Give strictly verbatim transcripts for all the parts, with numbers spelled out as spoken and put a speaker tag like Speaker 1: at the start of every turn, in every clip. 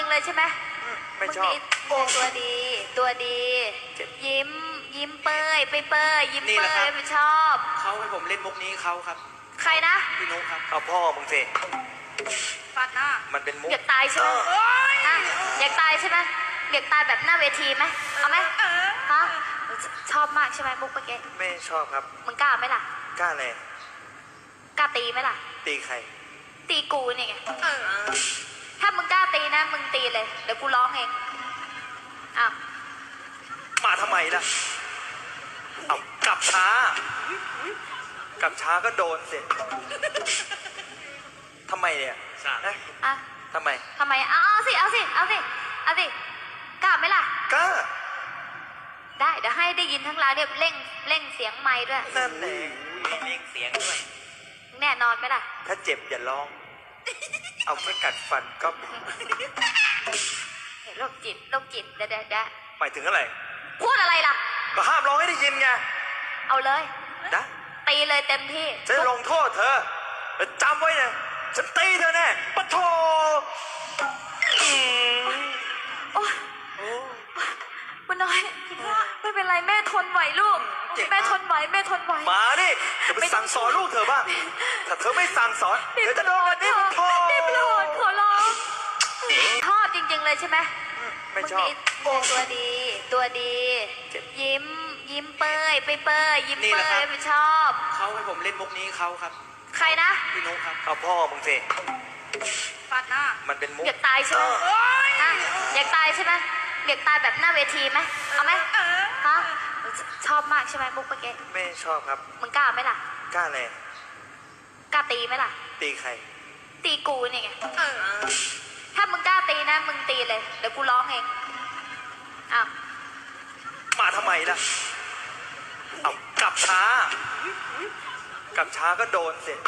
Speaker 1: เลยใช่ไหม
Speaker 2: ไม่ชอบ
Speaker 1: ตัวดีตัวดียิ้มยิ้มเปยไปเปยยิ้มเปยไม่ชอบ
Speaker 3: เขาให้ผมเล่นมุกนี้เขาครับ
Speaker 1: ใครนะ
Speaker 3: พี่นุ๊กครับ
Speaker 2: เอาพ่อมึงสิ
Speaker 1: ฟัดหน้า
Speaker 2: มันเป็นมุก
Speaker 1: อยากตายใช่ไหมอยากตายใช่ไหมอยากตายแบบหน้าเวทีไหมเอาไหมฮะชอบมากใช่ไหมมุกเมื่อกี้
Speaker 2: ไม่ชอบครับ
Speaker 1: มึงกล้าไหมล่ะ
Speaker 2: กล้าเลย
Speaker 1: กล้าตีไหมล่ะ
Speaker 2: ตีใคร
Speaker 1: ตีกูนี่ไงถ้ามึงกล้าตีนะมึงตีเลยเดี๋ยวกูร้องเองอ้าว
Speaker 2: มาทำไมล่ะเอากลับช้า กลับช้าก็โดนสิทำไมเนี่ย
Speaker 1: อ่ะ
Speaker 2: ทำไม
Speaker 1: ทำไมเอาเอาสิเอาสิเอาสิเอาสิกล้าไหมล่ะ
Speaker 2: กล้า
Speaker 1: ได้เดี๋ยวให้ได้ยินทั้งร้านเนี่ยเร่งเร่งเสียงไม้ด้วย
Speaker 2: นั่นแหละ
Speaker 3: เร่งเสียงด้วย
Speaker 1: แน่นอนไหมล่ะ
Speaker 2: ถ้าเจ็บอย่าร้องเอาแค่กัดฟันก็
Speaker 1: เห็นโรคจิตโรคจิตเด้เด้
Speaker 2: หมายถึงอะไร
Speaker 1: พูดอะไรล่ะ
Speaker 2: ก็ห้ามร้องให้ได้ยินไง
Speaker 1: เอาเลย
Speaker 2: นะ
Speaker 1: ตีเลยเต็มที่
Speaker 2: จะลงโทษเธอจำไว้นะฉันตีเธอแน่ปะโถ
Speaker 1: โอ้บุญน้อยไม่เป็นไรแม่ทนไหวลูกแม่ทนไหวแม่ทนไหว
Speaker 2: มาดิจะไปสั่งสอนลูกเธอบ้างถ้าเธอไม่สั่งสอนเดี๋ยวจะโดนนี่ปะโถ
Speaker 1: นี่โปรดขอร้องชอบจริงๆเลยใช่ไหม
Speaker 2: ไม่ชอบ
Speaker 1: ตัวดีตัวดียิ้มยิ้มเปยไปเปยยิ้มเปยไม่ชอบ
Speaker 3: เขาให้ผมเล่นมุกนี้เขาครับ
Speaker 1: ใครนะ
Speaker 3: พี่นุ๊กครับ
Speaker 2: เอาพ่อมึงสิ
Speaker 1: ฟัดหน้า
Speaker 2: มันเป็นมุก
Speaker 1: อยากตายใช่ไหมอยากตายใช่ไหมอยากตายแบบหน้าเวทีไหมเอาไหมฮะชอบมากใช่ไหมมุกเมื่อกี้
Speaker 2: ไม่ชอบครับ
Speaker 1: มึงกล้าไหมล่ะ
Speaker 2: กล้าเลย
Speaker 1: กล้าตีไหมล่ะ
Speaker 2: ตีใคร
Speaker 1: ตีกูนี่ไงถ้ามึงกล้าตีนะมึงตีเลยเดี๋ยวกูร้องเองอ้าว
Speaker 2: มาทำไมล่ะเอากลับช้า กลับช้าก็โดนสิ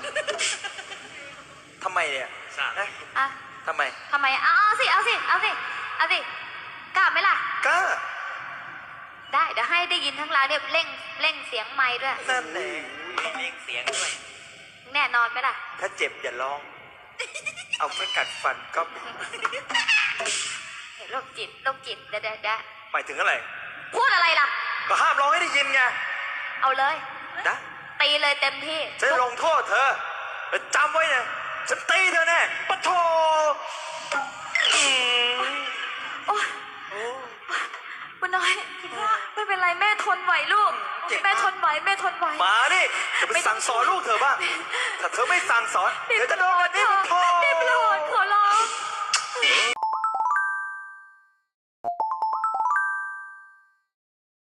Speaker 2: ทำไมเนี่ย
Speaker 1: อ่ะ
Speaker 2: ทำไม
Speaker 1: ทำไมเอาเอาสิเอาสิเอาสิเอาสิกล้าไหมล่ะ
Speaker 2: กล้า
Speaker 1: ได้เดี๋ยวให้ได้ยินทั้งร้านเนี่ยเร่งเร่งเสียงไม้ด้วย
Speaker 2: นั่นแหละ
Speaker 3: เร่งเสียงด้วย
Speaker 1: แน่นอนไหมล่ะ
Speaker 2: ถ้าเจ็บอย่าร้องเอาแค่กัดฟันก็
Speaker 1: เห็นโรคจิตโรคจิตเด้เด้
Speaker 2: หมายถึงอะไร
Speaker 1: พูดอะไรล่ะ
Speaker 2: ก็ห้ามร้องให้ได้ยินไง
Speaker 1: เอาเลย
Speaker 2: นะ
Speaker 1: ตีเลยเต็มที่
Speaker 2: จะลงโทษเธอจำไว้นะฉันตีเธอแน่ปะโถ
Speaker 1: บุญน้อยไม่เป็นไรแม่ทนไหวลูกแม่ทนไหวแม่ทนไหว
Speaker 2: มาดิจะไปสั่งสอนลูกเธอบ้างถ้าเธอไม่สั่งสอนเดี๋ยวจะโดน